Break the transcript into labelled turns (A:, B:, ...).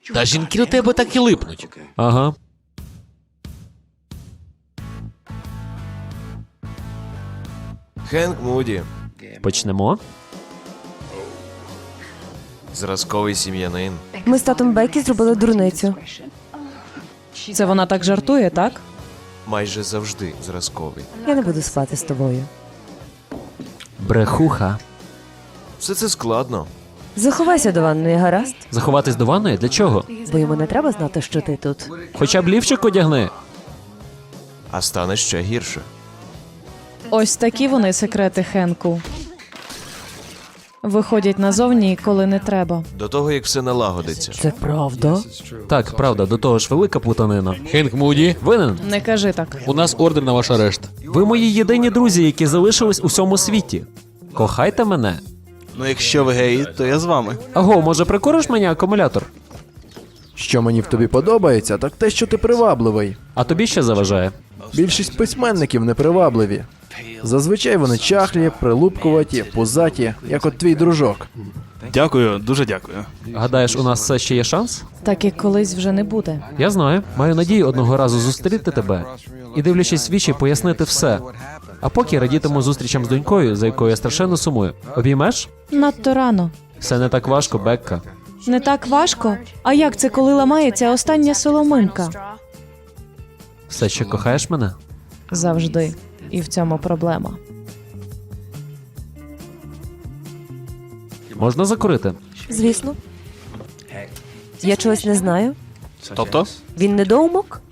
A: Та жінки до тебе так і липнуть.
B: Ага.
C: Хенк Муді.
B: Почнемо.
C: Зразковий сім'янин.
D: Ми з татом Бекі зробили дурницю.
E: Це вона так жартує, так?
C: Майже завжди зразковий.
D: Я не буду спати з тобою.
B: Брехуха.
C: Все це складно.
D: Заховайся до ванної, гаразд?
B: Заховатись до ванної? Для чого?
D: Бо йому не треба знати, що ти тут.
B: Хоча б лівчик одягни.
C: А стане ще гірше.
E: Ось такі вони секрети Хенку. Виходять назовні, коли не треба.
C: До того, як все налагодиться.
D: Це правда?
B: Так, правда, до того ж велика плутанина.
A: Хенк Муді,
B: Винен?
E: Не кажи так.
A: у нас ордер на ваш арешт.
B: Ви мої єдині друзі, які залишились у всьому світі. Кохайте мене.
F: Ну, якщо ви геї, то я з вами.
B: Аго, може прикуриш мені акумулятор?
G: Що мені в тобі подобається, так те, що ти привабливий.
B: А тобі ще заважає?
G: Більшість письменників непривабливі. Зазвичай вони чахлі, прилупкуваті, пузаті, як от твій дружок.
F: Дякую, дуже дякую.
B: Гадаєш, у нас все ще є шанс?
E: Так як колись вже не буде.
B: Я знаю. Маю надію одного разу зустріти тебе і, дивлячись в вічі, пояснити все. А поки радітиму зустрічам з донькою, за якою я страшенно сумую. Обіймеш?
E: Надто рано.
B: Все не так важко, Бекка.
E: Не так важко? А як це, коли ламається остання соломинка?
B: Все ще кохаєш мене?
E: Завжди. І в цьому проблема.
B: Можна закурити?
D: Звісно. Я чогось не знаю.
F: Тобто?
D: Він недоумок?